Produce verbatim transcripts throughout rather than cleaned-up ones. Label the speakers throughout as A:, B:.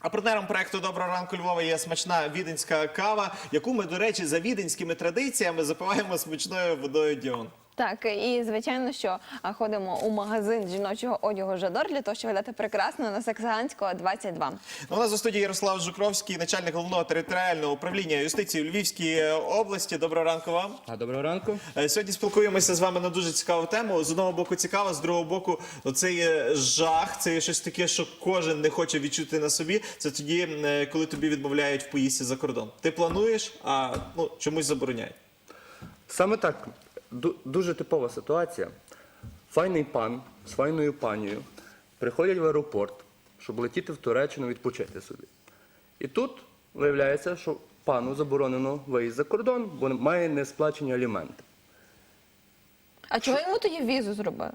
A: А партнером проекту «Доброго ранку Львова» є смачна віденська кава, яку ми, до речі, за віденськими традиціями запиваємо смачною водою Діон.
B: Так, і звичайно, що а, ходимо у магазин жіночого одягу «Жадор» для того, щоб виглядати прекрасно на Саксаганського, двадцять два.
A: У нас у студії Ярослав Жукровський, начальник головного територіального управління юстиції у Львівській області. Доброго ранку вам.
C: А доброго ранку.
A: Сьогодні спілкуємося з вами на дуже цікаву тему. З одного боку цікаво, з другого боку це є жах, це є щось таке, що кожен не хоче відчути на собі. Це тоді, коли тобі відмовляють в поїздці за кордон. Ти плануєш, а ну, чомусь забороняють.
C: Саме так. Дуже типова ситуація. Файний пан з файною панією приходять в аеропорт, щоб летіти в Туреччину відпочити собі. І тут виявляється, що пану заборонено виїзд за кордон, бо має несплачені аліменти.
B: А чого йому тоді візу зробили?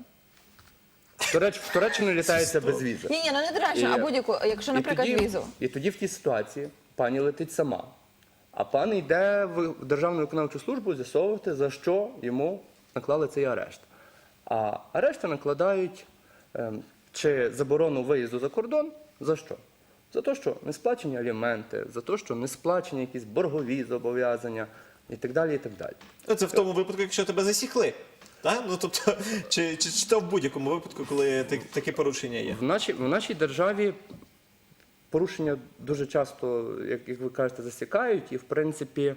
C: В, Туреч... в Туреччину літається без візи.
B: Ні, ні, ну не Туреччину, а будь-яку, якщо, наприклад,
C: і тоді,
B: візу.
C: І тоді в тій ситуації пані летить сама. А пан йде в Державну виконавчу службу з'ясовувати, за що йому наклали цей арешт. А арешти накладають е, чи заборону виїзду за кордон, за що? За те, що не сплачені аліменти, за те, що не сплачені якісь боргові зобов'язання і так далі, і так далі.
A: Це в тому випадку, якщо тебе засікли. Так? Ну, тобто, чи, чи, чи то в будь-якому випадку, коли такі порушення є?
C: В нашій, в нашій державі порушення дуже часто, як, як ви кажете, засікають. І, в принципі,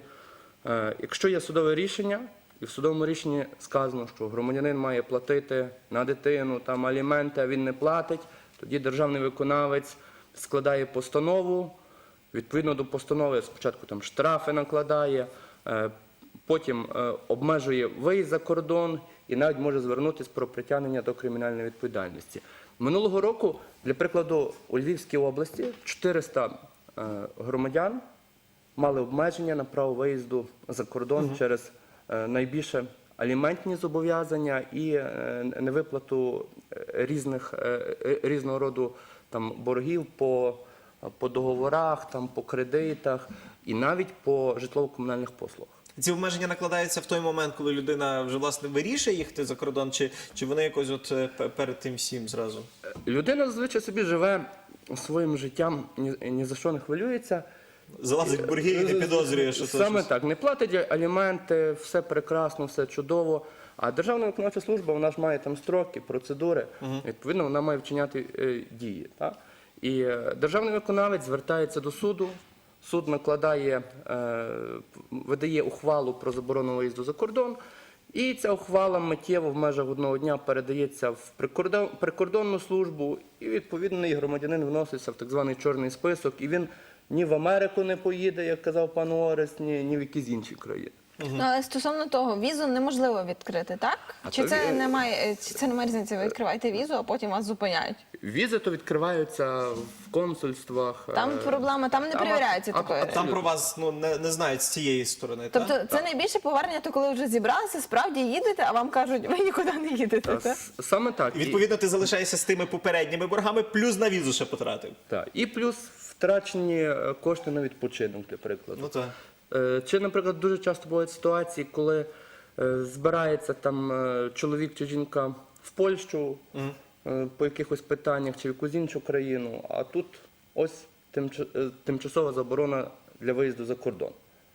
C: е, якщо є судове рішення, і в судовому рішенні сказано, що громадянин має платити на дитину там аліменти, а він не платить, тоді державний виконавець складає постанову, відповідно до постанови спочатку там штрафи накладає, е, потім е, обмежує виїзд за кордон і навіть може звернутися про притягнення до кримінальної відповідальності. Минулого року, для прикладу, у Львівській області чотириста е, громадян мали обмеження на право виїзду за кордон угу. через е, найбільше аліментні зобов'язання і е, невиплату різних, е, різного роду там, боргів по, по договорах, там, по кредитах і навіть по житлово-комунальних послугах.
A: Ці обмеження накладаються в той момент, коли людина вже, власне, вирішує їхати за кордон, чи, чи вони якось от перед тим всім зразу?
C: Людина зазвичай собі живе своїм життям, ні, ні за що не хвилюється.
A: Залазить в борги і не підозрює, що це
C: Саме
A: щось...
C: так. Не платить аліменти, все прекрасно, все чудово. А Державна виконавча служба, вона ж має там строки, процедури. Угу. Відповідно, вона має вчиняти е, дії. Так? І е, державний виконавець звертається до суду. Суд накладає, е, видає ухвалу про заборону виїзду за кордон, і ця ухвала миттєво в межах одного дня передається в прикордон, прикордонну службу, і відповідний громадянин вноситься в так званий чорний список, і він ні в Америку не поїде, як казав пан Орест, ні, ні в якісь інші країни.
B: Угу. Ну, але стосовно того, візу неможливо відкрити, так?
C: А
B: чи,
C: то
B: це
C: ві-
B: немає, чи це немає різниці? Ви відкриваєте візу, а потім вас зупиняють?
C: Візи то відкриваються в консульствах.
B: Там
C: е,
B: проблема, там не
C: там,
B: перевіряється
C: а- а-
B: такої.
C: а
A: Там про вас ну, не, не знають з цієї сторони,
B: Тобто
A: так?
B: це найбільше повернення, то коли вже зібралися, справді їдете, а вам кажуть, ви нікуди не їдете.
C: Та,
B: так?
C: с- Саме так.
A: І, відповідно, ти залишаєшся з тими попередніми боргами, плюс на візу ще потратив.
C: Так. І плюс втрачені е, кошти на відпочинок, для прикладу.
A: Ну так.
C: Е, Чи, наприклад, дуже часто бувають ситуації, коли е, збирається там е, чоловік чи жінка в Польщу е, по якихось питаннях чи в якусь іншу країну, а тут ось тимч- е, тимчасова заборона для виїзду за кордон.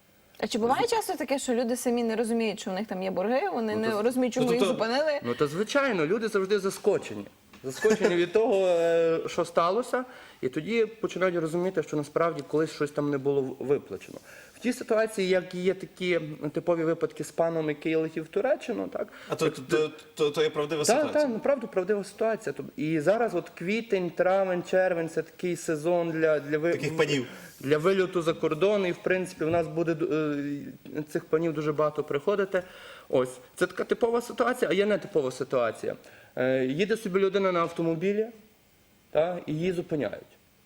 B: А чи буває часто таке, що люди самі не розуміють, що у них там є борги, вони
C: Ну,
B: не
C: то-
B: розуміють, чому
A: ну,
B: їх
A: то-
B: зупинили?
C: Ну, то звичайно, люди завжди заскочені. Заскочені від того, е, що сталося, і тоді починають розуміти, що насправді колись щось там не було виплачено. В тій ситуації, як є такі типові випадки з паном, який летів в Туреччину, так?
A: А то, то, то, то, то є правдива
C: Так,
A: ситуація.
C: так, направду правдива ситуація. Тоб- І зараз от квітень, травень, червень – це такий сезон для, для, ви-
A: Таких панів.
C: для вильоту за кордон, і в принципі в нас буде е, цих панів дуже багато приходити. Ось, це така типова ситуація, а є нетипова ситуація. Е, Їде собі людина на автомобілі, та, і її зупиняють.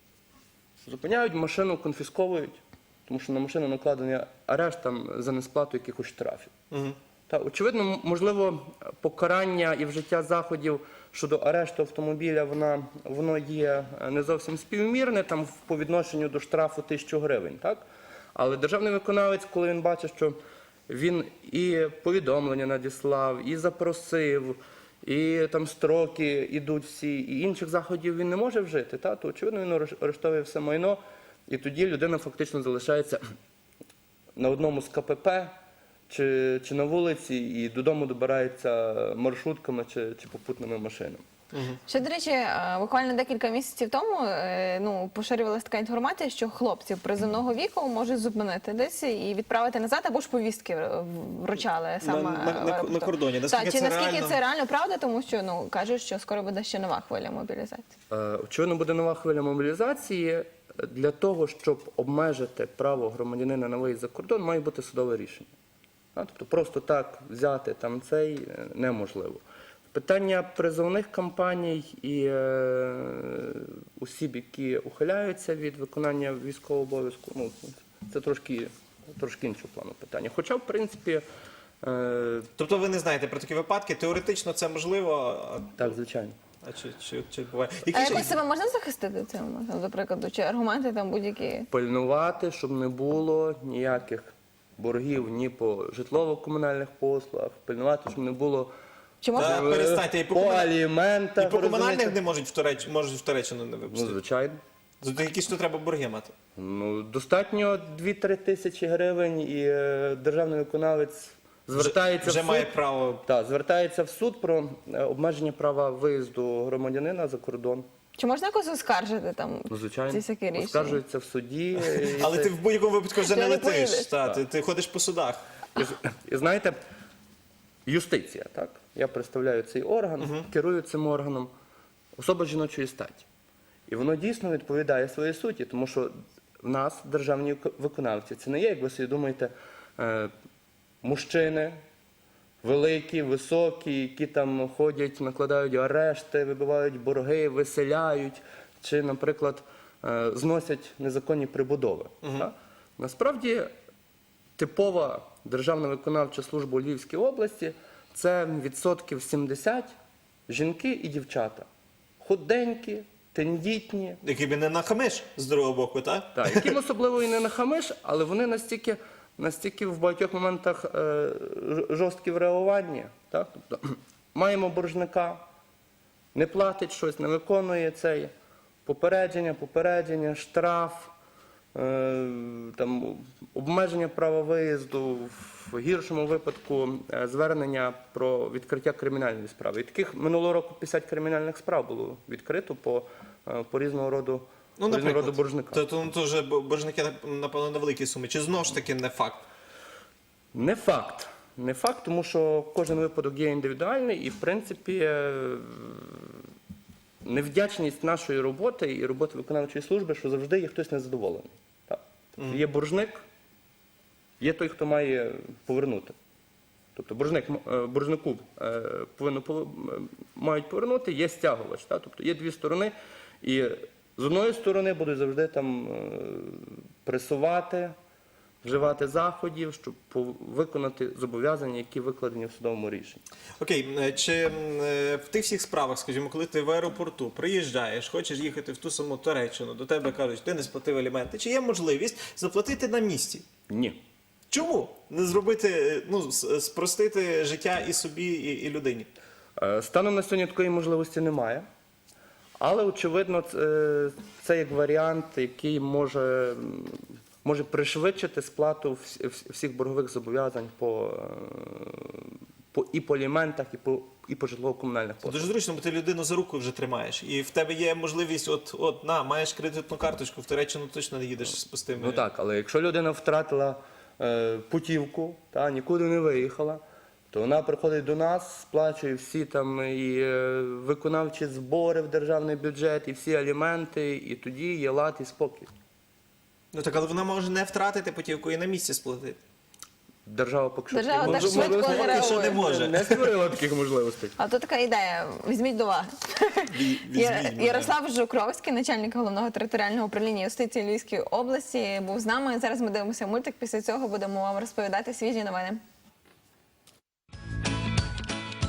C: Зупиняють, машину конфісковують, тому що на машину накладений арешт там, за несплату якихось штрафів.
A: Угу.
C: Та, очевидно, м- можливо, покарання і вжиття заходів щодо арешту автомобіля, вона, воно є не зовсім співмірне там, по відношенню до штрафу тисячу гривень. Так? Але державний виконавець, коли він бачить, що він і повідомлення надіслав, і запросив, і там строки ідуть всі, і інших заходів він не може вжити, та, то очевидно він ареш- арештовує все майно, і тоді людина фактично залишається на одному з ка пе пе чи, чи на вулиці, і додому добирається маршрутками чи, чи попутними машинами.
B: Ще, до речі, е, буквально декілька місяців тому е, ну, поширювалася така інформація, що хлопців призовного віку можуть зупинити десь і відправити назад, або ж повістки в- вручали саме
A: на- на-
B: в
A: на
B: аеропорту.
A: кордоні. Наскільки
B: Так, чи
A: це
B: наскільки
A: реально?
B: це реально правда, тому що ну кажуть, що скоро буде ще нова хвиля мобілізації.
C: Е, Очевидно, буде нова хвиля мобілізації. Для того, щоб обмежити право громадянина на виїзд за кордон, має бути судове рішення. А, Тобто просто так взяти там цей е, неможливо. Питання призовних кампаній і е, осіб, які ухиляються від виконання військового обов'язку, ну, це трошки, трошки іншого плану питання. Хоча, в принципі, е,
A: Тобто ви не знаєте про такі випадки, теоретично це можливо, а-
C: так, звичайно.
A: а чи, чи, чи буває?
B: А
A: Які ще-
B: якось себе можна захистити цим, там, до прикладу, чи аргументи там будь-які?
C: Пильнувати, щоб не було ніяких боргів ні по житлово-комунальних послугах, пильнувати, щоб не було
B: Чи
A: Та
B: можна?
C: е,
A: перестаньте, і по,
C: по
A: комуна-
C: аліментах.
A: і по комунальних
C: розумієте?
A: не можуть в Туреч... можуть в Туреччину не
C: Ну,
A: випустити.
C: звичайно.
A: За які ж то треба борги мати?
C: Ну, достатньо дві-три тисячі гривень, і е, державний виконавець звертається
A: вже
C: в
A: має
C: суд.
A: право.
C: Так, звертається в суд про е, обмеження права виїзду громадянина за кордон.
B: Чи можна якось оскаржити там
C: Ну, звичайно,
B: ці всякі рішення?
C: оскаржується в суді. і
A: Але
C: це-
A: ти в будь-якому випадку вже
B: Ти
A: не
B: не
A: летиш.
B: поїдеш.
A: Та, ти, ти ходиш по судах.
C: І, з- і знаєте, юстиція, так? Я представляю цей орган, керую цим органом, особа жіночої статі. І воно дійсно відповідає своїй суті, тому що в нас державні вик- виконавці, це не є, як ви собі думаєте, е, мужчини великі, високі, які там ходять, накладають арешти, вибивають борги, виселяють, чи, наприклад, е, зносять незаконні прибудови. Так? Насправді, типова державна виконавча служба у Львівській області – це відсотків сімдесят жінки і дівчата. Худенькі, тендітні,
A: Який би не нахамиш з другого боку, так?
C: так, яким особливо і не нахамиш, але вони настільки, настільки в багатьох моментах е, ж- жорсткі в реагуванні. Так? Тобто, маємо боржника, не платить щось, не виконує цей попередження, попередження, штраф, е, там, обмеження права виїзду, в гіршому випадку е, звернення про відкриття кримінальної справи. І таких минулого року п'ятдесят кримінальних справ було відкрито по, е, по різного роду,
A: Ну,
C: по різного роду
A: наприклад.
C: боржникам.
A: То, то, то вже боржники, напевно, на великі суми. Чи знову ж таки не факт?
C: Не факт. Не факт, тому що кожен випадок є індивідуальний і, в принципі, е, невдячність нашої роботи і роботи виконавчої служби, що завжди є хтось незадоволений. Так? Тобто є боржник, є той, хто має повернути. Тобто боржник, м- е, боржнику е, повинно пов- м- мають повернути, є стягувач. Так? Тобто є дві сторони, і з одної сторони будуть завжди там е, пресувати, вживати заходів, щоб пов- виконати зобов'язання, які викладені в судовому рішенні.
A: Окей, е, чи м, е, в тих всіх справах, скажімо, коли ти в аеропорту приїжджаєш, хочеш їхати в ту саму Туреччину, до тебе кажуть, ти не сплатив аліменти, чи є можливість заплатити на місці?
C: Ні.
A: Чому? Не зробити, е, ну, с- спростити життя і собі, і, і людині?
C: Е, Станом на сьогодні такої можливості немає. Але, очевидно, ц- е, це як варіант, який може, м, може пришвидшити сплату вс- вс- всіх боргових зобов'язань по, е, по, і по аліментах, і по, і по житлово-комунальних
A: Це
C: послугах.
A: дуже зручно, бо ти людину за руку вже тримаєш. І в тебе є можливість, от, от, на, маєш кредитну карточку, в Туреччину точно не їдеш з пустими.
C: Ну так, але якщо людина втратила е, путівку, та, нікуди не виїхала, то вона приходить до нас, сплачує всі там і е, виконавчі збори в державний бюджет, і всі аліменти, і тоді є лад і спокій.
A: Ну так, але вона може не втратити путівку і на місці сплатити.
C: Держава поки що
B: Держава
C: таких
B: так
C: можливостей
B: швидко не
A: Поки що не
B: реагує.
A: може.
C: не створила таких можливостей.
B: А то така ідея. Візьміть до уваги.
A: Візьміть
B: Я-
A: мене.
B: Ярослав Жукровський, начальник головного територіального управління юстиції Львівської області, був з нами. Зараз ми дивимося мультик. Після цього будемо вам розповідати свіжі новини.